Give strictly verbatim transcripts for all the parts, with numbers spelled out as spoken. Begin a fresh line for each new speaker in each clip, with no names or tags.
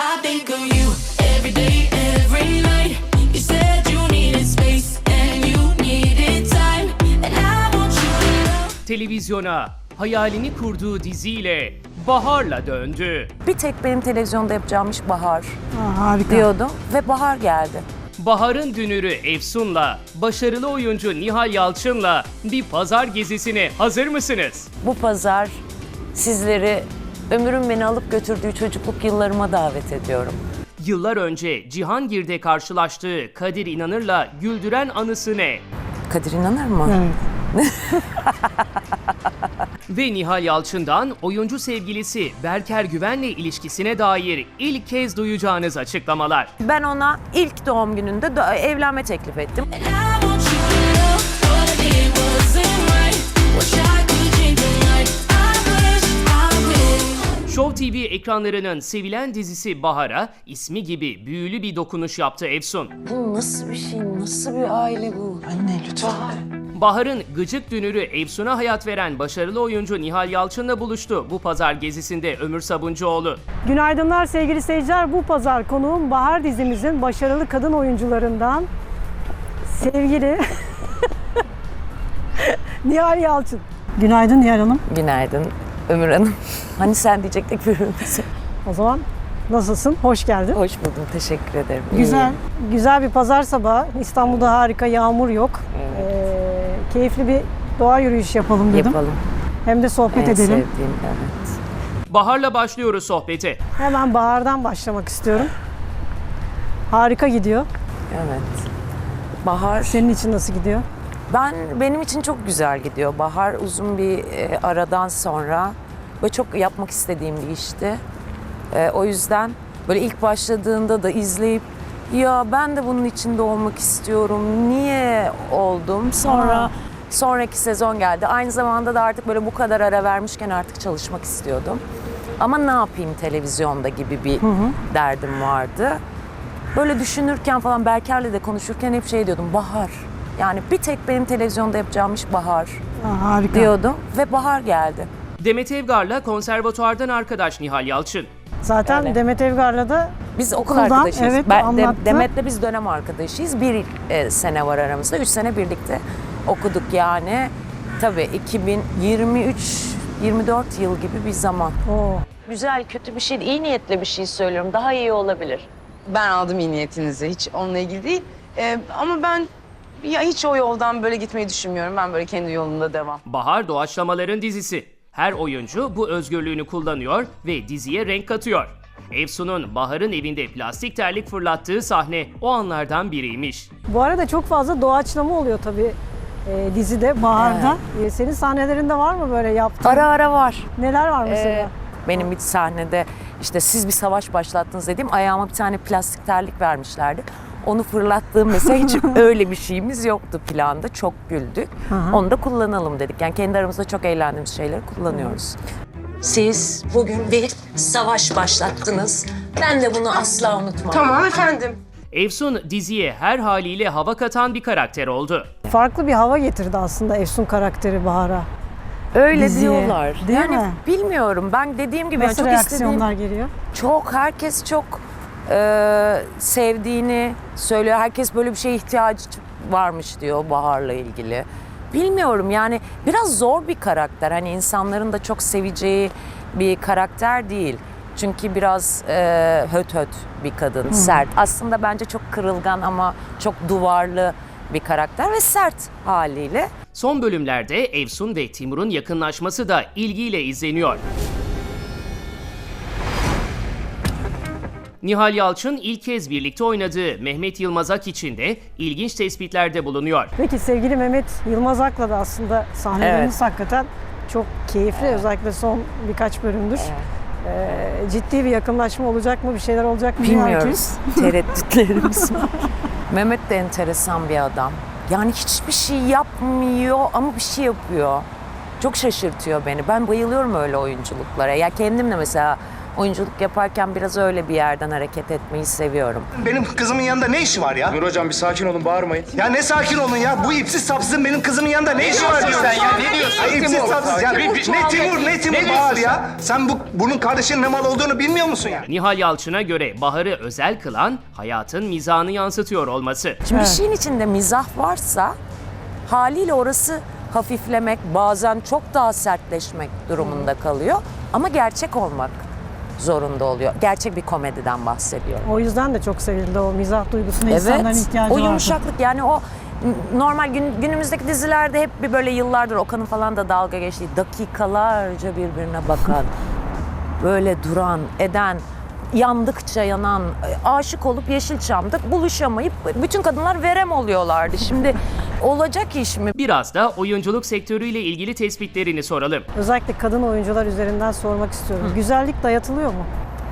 I think of you every day, every night. You said you needed space and you needed time, and I want you to know.
Televizyona hayalini kurduğu diziyle Bahar'la döndü.
Bir tek benim televizyonda yapacağım iş Bahar
Aa, harika.
diyordum ve Bahar geldi.
Bahar'ın dünürü Efsun'la, başarılı oyuncu Nihal Yalçın'la bir pazar gezisine hazır mısınız?
Bu pazar sizleri ömrüm beni alıp götürdüğü çocukluk yıllarıma davet ediyorum.
Yıllar önce Cihangir'de karşılaştığı Kadir İnanır'la güldüren anısı ne?
Kadir inanır mı?
Evet.
Ve Nihal Yalçın'dan oyuncu sevgilisi Berker Güven'le ilişkisine dair ilk kez duyacağınız açıklamalar.
Ben ona ilk doğum gününde do- evlenme teklif ettim.
And I want you to know what I did wasn't right. Wish I could change your mind. I wish, I wish.
Show T V ekranlarının sevilen dizisi Bahar'a ismi gibi büyülü bir dokunuş yaptı Efsun.
Bu nasıl bir şey, nasıl bir aile bu?
Anne lütfen.
Bahar'ın gıcık dünürü Efsun'a hayat veren başarılı oyuncu Nihal Yalçın'la buluştu bu pazar gezisinde Ömür Sabuncuoğlu.
Günaydınlar sevgili seyirciler. Bu pazar konuğum Bahar dizimizin başarılı kadın oyuncularından sevgili Nihal Yalçın. Günaydın Nihal Hanım.
Günaydın Ömür Hanım. Hani sen diyecektik birbirimize.
O zaman nasılsın? Hoş geldin.
Hoş buldum, teşekkür ederim.
Güzel,
İyiyim.
güzel bir pazar sabahı. İstanbul'da harika, yağmur yok. Ee, keyifli bir doğa yürüyüşü yapalım dedim.
Yapalım.
Hem de sohbet
En
edelim.
sevdiğim, evet.
Bahar'la başlıyoruz sohbete.
Hemen Bahar'dan başlamak istiyorum. Harika gidiyor.
Evet. Bahar,
Senin için nasıl gidiyor?
ben benim için çok güzel gidiyor. Bahar uzun bir e, aradan sonra ve çok yapmak istediğim bir işti. E, o yüzden böyle ilk başladığında da izleyip ya ben de bunun içinde olmak istiyorum. Niye oldum? Sonra
Aa.
sonraki sezon geldi. Aynı zamanda da artık böyle bu kadar ara vermişken artık çalışmak istiyordum. Ama ne yapayım televizyonda gibi bir derdim vardı. Böyle düşünürken falan Berker'le de konuşurken hep şey diyordum. Bahar. Yani bir tek benim televizyonda yapacağım iş Bahar
Aa, harika.
diyordum ve Bahar geldi.
Demet Evgar'la konservatuardan arkadaş Nihal Yalçın.
Zaten
Öyle.
Demet Evgar'la da
Biz okul
Okuldan,
arkadaşıyız.
evet,
Ben,
anlattı.
Demet'le biz dönem arkadaşıyız. Bir e, sene var aramızda. Üç sene birlikte okuduk yani. Tabii iki bin yirmi üç yirmi dört yıl gibi bir zaman.
o
Güzel, kötü bir şey, iyi niyetle bir şey söylüyorum. Daha iyi olabilir.
Ben aldım iyi niyetinizi. Hiç onunla ilgili değil. Ee, ama ben ya hiç o yoldan böyle gitmeyi düşünmüyorum. Ben böyle kendi yolumda devam.
Bahar doğaçlamaların dizisi. Her oyuncu bu özgürlüğünü kullanıyor ve diziye renk katıyor. Efsun'un Bahar'ın evinde plastik terlik fırlattığı sahne o anlardan biriymiş.
Bu arada çok fazla doğaçlama oluyor tabii e, dizide, Bahar'da. E, senin sahnelerinde var mı böyle yaptığın?
Ara ara var.
Neler var mesela?
Ee, benim bir sahnede işte siz bir savaş başlattınız dediğim ayağıma bir tane plastik terlik vermişlerdi. Onu fırlattığım mesela hiç öyle bir şeyimiz yoktu planda. Çok güldük.
Aha.
Onu da kullanalım dedik. Yani kendi aramızda çok eğlendiğimiz şeyleri kullanıyoruz.
Siz bugün bir savaş başlattınız. Ben de bunu asla unutmam.
Tamam efendim.
Efsun diziye her haliyle hava katan bir karakter oldu.
Farklı bir hava getirdi aslında Efsun karakteri Bahar'a.
Öyle
Diziye,
diyorlar.
değil
yani
mi?
bilmiyorum. Ben dediğim gibi yani
Nasıl
çok istediğim
reaksiyonlar geliyor?
çok herkes çok e, sevdiğini söylüyor. Herkes böyle bir şeye ihtiyacı varmış diyor Bahar'la ilgili. Bilmiyorum yani biraz zor bir karakter. Hani insanların da çok seveceği bir karakter değil. Çünkü biraz e, höt höt bir kadın, sert. Aslında bence çok kırılgan ama çok duvarlı bir karakter ve sert haliyle.
Son bölümlerde Efsun ve Timur'un yakınlaşması da ilgiyle izleniyor. Nihal Yalçın ilk kez birlikte oynadığı Mehmet Yılmaz Ak için de ilginç tespitlerde bulunuyor.
Peki sevgili Mehmet Yılmaz Ak'la da aslında sahneleriniz hakikaten çok keyifli. Özellikle son birkaç bölümdür. Ee, ciddi bir yakınlaşma olacak mı? Bir şeyler olacak mı?
Bilmiyoruz. Tereddütlerimiz var. Mehmet de enteresan bir adam. Yani hiçbir şey yapmıyor ama bir şey yapıyor. Çok şaşırtıyor beni. Ben bayılıyorum öyle oyunculuklara. Ya kendim de mesela oyunculuk yaparken biraz öyle bir yerden hareket etmeyi seviyorum.
Benim kızımın yanında ne işi var ya?
Nur hocam bir sakin olun, bağırmayın.
Ya ne sakin olun ya? Bu ipsiz sapsızın benim kızımın yanında ne işi var diyorsun?
sen ya? Ne diyorsun?
Ay, ipsiz sapsız ya. Ne Timur ne Timur Bahar ya? Sen bu bunun kardeşinin ne mal olduğunu bilmiyor musun ya?
Nihal Yalçın'a göre Bahar'ı özel kılan hayatın mizahını yansıtıyor olması.
Şimdi bir şeyin içinde mizah varsa haliyle orası hafiflemek, bazen çok daha sertleşmek durumunda kalıyor. Ama gerçek olmak zorunda oluyor. Gerçek bir komediden bahsediyorum.
O yüzden de çok sevildi o mizah duygusuna insanların
Evet,
ihtiyacı
o
vardı.
yumuşaklık yani o normal gün, günümüzdeki dizilerde hep bir böyle yıllardır Okan'ın falan da dalga geçtiği dakikalarca birbirine bakan, böyle duran, eden, yandıkça yanan, aşık olup Yeşilçam'da buluşamayıp bütün kadınlar verem oluyorlardı. Şimdi olacak iş mi?
Biraz da oyunculuk sektörüyle ilgili tespitlerini soralım.
Özellikle kadın oyuncular üzerinden sormak istiyorum. Güzellik dayatılıyor mu?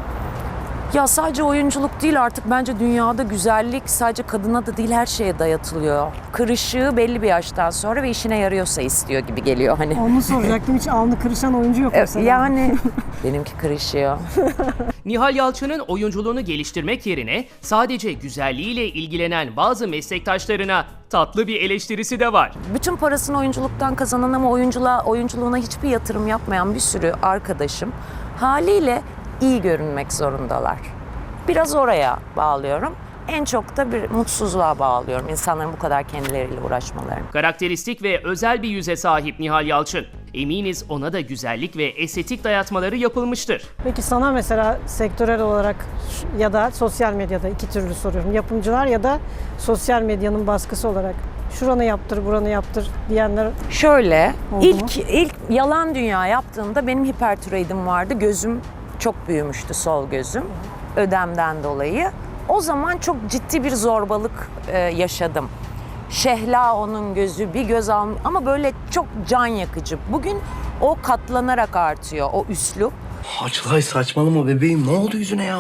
Ya sadece oyunculuk değil artık bence dünyada güzellik sadece kadına da değil her şeye dayatılıyor. Kırışığı belli bir yaştan sonra ve işine yarıyorsa istiyor gibi geliyor hani.
Onu soracaktım. Hiç alnı kırışan oyuncu yok mesela.
Yani benimki kırışıyor.
Nihal Yalçın'ın oyunculuğunu geliştirmek yerine sadece güzelliğiyle ilgilenen bazı meslektaşlarına tatlı bir eleştirisi de var.
Bütün parasını oyunculuktan kazanan ama oyunculuğa, oyunculuğuna hiçbir yatırım yapmayan bir sürü arkadaşım haliyle iyi görünmek zorundalar. Biraz oraya bağlıyorum. En çok da bir mutsuzluğa bağlıyorum insanların bu kadar kendileriyle uğraşmalarını.
Karakteristik ve özel bir yüze sahip Nihal Yalçın. Eminiz ona da güzellik ve estetik dayatmaları yapılmıştır.
Peki sana mesela sektörel olarak ya da sosyal medyada iki türlü soruyorum. Yapımcılar ya da sosyal medyanın baskısı olarak şuranı yaptır, buranı yaptır diyenler
Şöyle,
Oldu
ilk
mu?
ilk Yalan Dünya yaptığımda benim hipertiroidim vardı. Gözüm çok büyümüştü, sol gözüm. Ödemden dolayı. O zaman çok ciddi bir zorbalık e, yaşadım. Şehla onun gözü, bir göz al ama böyle çok can yakıcı. Bugün o katlanarak artıyor, o üslup.
Açlay saçmalama bebeğim. Ne oldu yüzüne ya?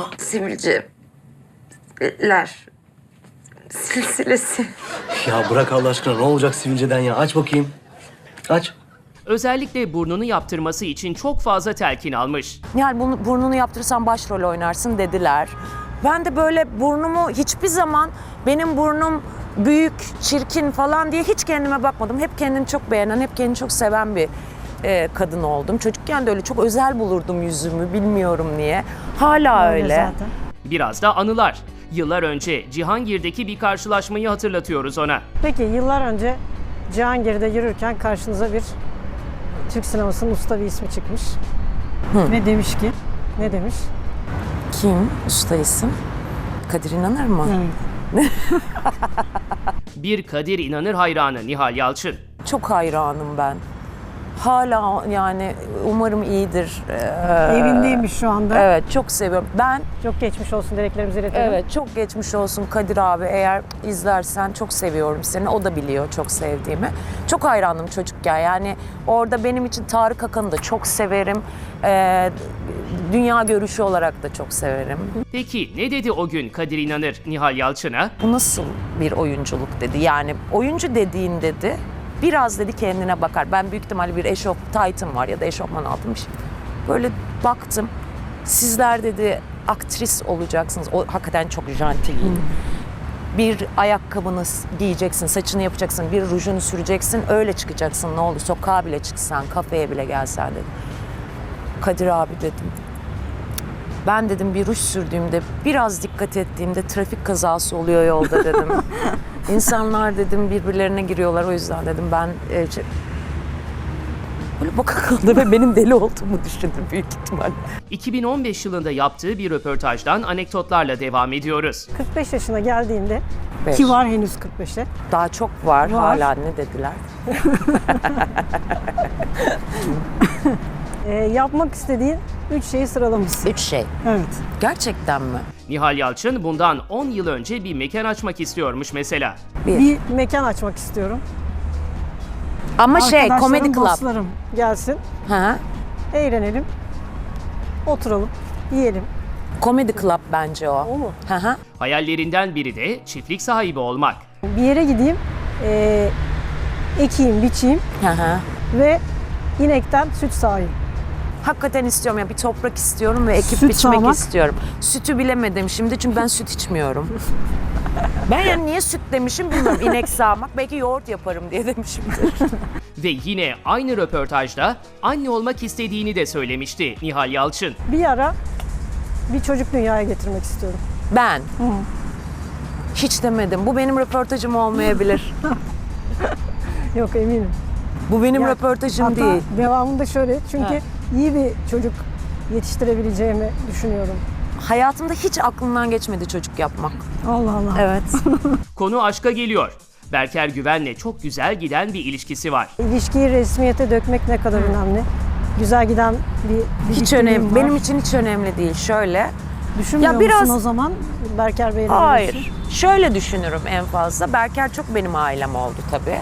Sivilceler silsilesi.
Ya bırak Allah aşkına, ne olacak sivilceden ya? Aç bakayım. Aç.
Özellikle burnunu yaptırması için çok fazla telkin almış.
Nihal bunu, burnunu yaptırırsan başrol oynarsın dediler. Ben de böyle burnumu hiçbir zaman benim burnum büyük, çirkin falan diye hiç kendime bakmadım. Hep kendini çok beğenen, hep kendini çok seven bir e, kadın oldum. Çocukken de öyle çok özel bulurdum yüzümü, bilmiyorum niye. Hala öyle.
zaten.
Biraz da anılar. Yıllar önce Cihangir'deki bir karşılaşmayı hatırlatıyoruz ona.
Peki yıllar önce Cihangir'de yürürken karşınıza bir Türk sinemasının usta bir ismi çıkmış. Ve demiş ki, ne demiş?
Kim? Usta isim? Kadir İnanır mı?
Evet.
Bir Kadir İnanır hayranı Nihal Yalçın.
Çok hayranım ben. Hala yani umarım iyidir. Ee,
Evindeymiş şu anda.
Evet, çok seviyorum. Ben
Çok geçmiş olsun dileklerimizi iletelim.
evet çok geçmiş olsun Kadir abi, eğer izlersen çok seviyorum seni. O da biliyor çok sevdiğimi. Çok hayranım çocukken, yani orada benim için Tarık Akan'ı da çok severim. Ee, dünya görüşü olarak da çok severim.
Peki ne dedi o gün Kadir İnanır Nihal Yalçın'a?
Bu nasıl bir oyunculuk dedi. Yani oyuncu dediğin dedi, biraz dedi kendine bakar. Ben büyük ihtimalle bir eşof taytım var ya da eşofman altım bir şey. Böyle baktım. Sizler dedi aktris olacaksınız. O hakikaten çok janti giyindi. Bir ayakkabını giyeceksin, saçını yapacaksın, bir rujunu süreceksin, öyle çıkacaksın. Ne olur sokağa bile çıksan, kafeye bile gelsen dedi. Kadir abi dedim. Ben dedim bir ruj sürdüğümde, biraz dikkat ettiğimde trafik kazası oluyor yolda dedim. İnsanlar dedim birbirlerine giriyorlar, o yüzden dedim ben e, şey- böyle baka kaldı ve benim deli olduğumu düşündü büyük ihtimalle.
iki bin on beş yılında yaptığı bir röportajdan anekdotlarla devam ediyoruz.
kırk beş yaşına geldiğinde
Beş.
ki var henüz kırk beşe.
Daha çok var,
Var.
hala ne dediler?
e, yapmak istediğin üç şeyi sıralamışsın.
Üç şey.
Evet.
Gerçekten mi?
Nihal Yalçın bundan on yıl önce bir mekan açmak istiyormuş mesela.
Bir.
Bir mekan açmak istiyorum.
Ama şey,
Arkadaşlarım,
komedi club.
dostlarım gelsin,
Hı.
eğlenelim, oturalım, yiyelim.
Komedi club bence o.
O mu?
Hı hı.
Hayallerinden biri de çiftlik sahibi olmak.
Bir yere gideyim, e, ekeyim, biçeyim
Hı hı.
ve inekten süt sağayım.
hakikaten istiyorum. Yani bir toprak istiyorum ve ekip
Süt
biçmek
sağmak.
istiyorum. Sütü bilemedim şimdi çünkü ben süt içmiyorum. Ben yani niye süt demişim bilmiyorum. İnek sağmak, belki yoğurt yaparım diye demişimdir.
Ve yine aynı röportajda anne olmak istediğini de söylemişti Nihal Yalçın.
Bir ara bir çocuk dünyaya getirmek istiyorum.
Ben. Hiç demedim. Bu benim röportajım olmayabilir.
Yok eminim.
Bu benim
Ya,
röportajım
hatta
değil.
devamında şöyle çünkü
Ha.
iyi bir çocuk yetiştirebileceğimi düşünüyorum.
Hayatımda hiç aklımdan geçmedi çocuk yapmak.
Allah Allah.
Evet.
Konu aşka geliyor. Berker Güven'le çok güzel giden bir ilişkisi var.
İlişkiyi resmiyete dökmek ne kadar önemli. Güzel giden bir, bir
Hiç
birlikteliğim
önemli.
var.
Benim için hiç önemli değil. Şöyle.
Düşünmüyor
Ya biraz-
musun o zaman Berker Bey'le
Hayır.
birlikte?
Şöyle düşünürüm en fazla. Berker çok benim ailem oldu tabii.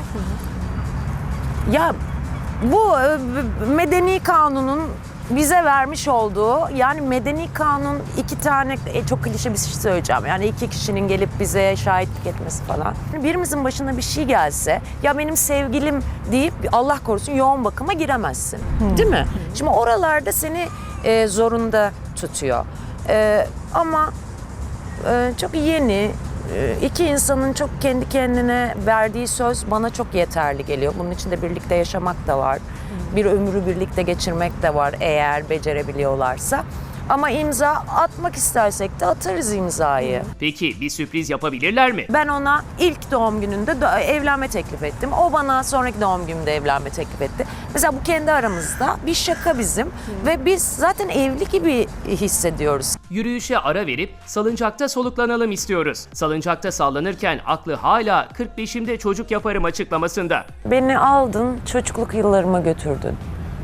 Ya bu e, medeni kanunun bize vermiş olduğu, yani medeni kanun iki tane, e, çok klişe bir şey söyleyeceğim. Yani iki kişinin gelip bize şahitlik etmesi falan. Birimizin başına bir şey gelse, ya benim sevgilim deyip Allah korusun yoğun bakıma giremezsin. Değil mi? Şimdi oralarda seni e, zorunda tutuyor. E, ama e, çok yeni, e, iki insanın çok kendi kendine verdiği söz bana çok yeterli geliyor. Bunun içinde birlikte yaşamak da var. Bir ömrü birlikte geçirmek de var eğer becerebiliyorlarsa. Ama imza atmak istersek de atarız imzayı.
Peki bir sürpriz yapabilirler mi?
Ben ona ilk doğum gününde do- evlenme teklif ettim. O bana sonraki doğum günümde evlenme teklif etti. Mesela bu kendi aramızda bir şaka bizim. Ve biz zaten evli gibi hissediyoruz.
Yürüyüşe ara verip salıncakta soluklanalım istiyoruz. Salıncakta sallanırken aklı hala kırk beşimde çocuk yaparım açıklamasında.
Beni aldın, çocukluk yıllarıma götürdün.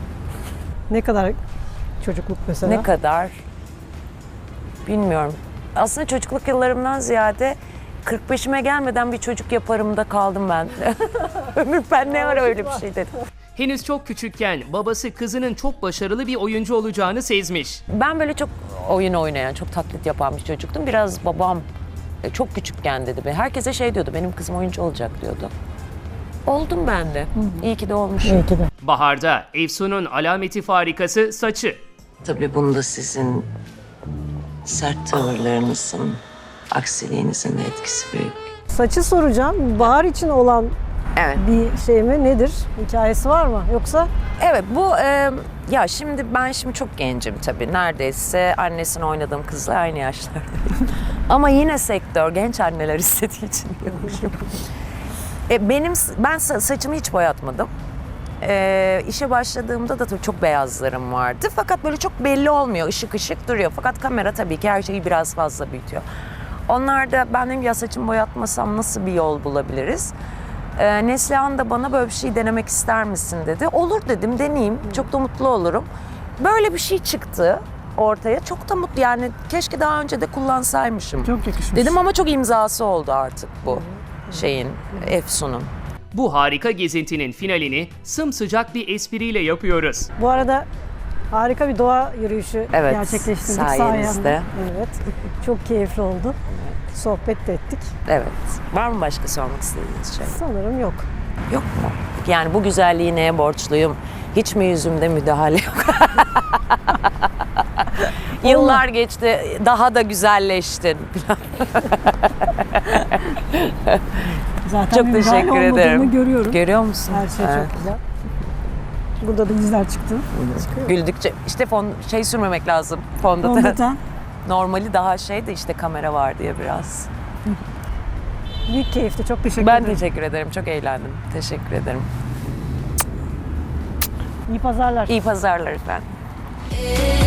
Ne kadar çocukluk mesela?
Ne kadar? Bilmiyorum. Aslında çocukluk yıllarımdan ziyade kırk beşime gelmeden bir çocuk yaparımda kaldım ben. Ömür ben ne ara öyle bir şey dedim.
Henüz çok küçükken babası kızının çok başarılı bir oyuncu olacağını sezmiş.
Ben böyle çok oyun oynayan, çok taklit yapan bir çocuktum. Biraz babam e, çok küçükken dedi. be. Herkese şey diyordu, benim kızım oyuncu olacak diyordu. Oldum ben de. İyi ki de olmuşum.
İyi ki de.
Baharda Efsun'un alameti farikası saçı.
Tabii bunda sizin sert tavırlarınızın, aksiliğinizin de etkisi büyük.
Saçı soracağım. Bahar için olan
Evet.
bir şey mi? Nedir? Hikayesi var mı? Yoksa
Evet bu e, ya şimdi ben şimdi çok gencim tabii. Neredeyse annesini oynadığım kızla aynı yaşlardayım. Ama yine sektör genç anneler istediği için diyormuşum. E, benim ben sa- saçımı hiç boyatmadım. E, işe başladığımda da tabii çok beyazlarım vardı. Fakat böyle çok belli olmuyor. Işık ışık duruyor. Fakat kamera tabii ki her şeyi biraz fazla büyütüyor. Onlar da ben dedim ya saçımı boyatmasam nasıl bir yol bulabiliriz? Ee, Neslihan da bana böyle bir şey denemek ister misin dedi. Olur dedim, deneyeyim. Çok da mutlu olurum. Böyle bir şey çıktı ortaya. Çok da mutlu, yani keşke daha önce de kullansaymışım.
çok yakışmış.
Dedim ama çok imzası oldu artık bu şeyin, Efsun'un.
Bu harika gezintinin finalini sımsıcak bir espriyle yapıyoruz.
Bu arada harika bir doğa yürüyüşü
Evet,
gerçekleştirdik
sayenizde.
sayende. Evet. Çok keyifli oldu. Sohbet de ettik.
Evet. Var mı başka sormak istediğiniz şey?
Sanırım yok.
Yok mu? Yani bu güzelliği neye borçluyum? Hiç mi yüzümde müdahale yok? Yıllar geçti, daha da güzelleştin.
Zaten
Çok
bir müdahale
teşekkür
olmadığını
ederim.
görüyorum.
Görüyor musun?
Her şey
Evet.
çok güzel. Burada da dizler çıktı. Çıkıyor.
Güldükçe işte fon, şey sürmemek lazım fondöten.
Fondöten.
Normali daha şeydi işte kamera var diye biraz.
Büyük keyifti. Çok teşekkür
Ben
ederim.
teşekkür ederim. Çok eğlendim. Teşekkür ederim.
İyi pazarlar.
İyi pazarlar efendim.
Every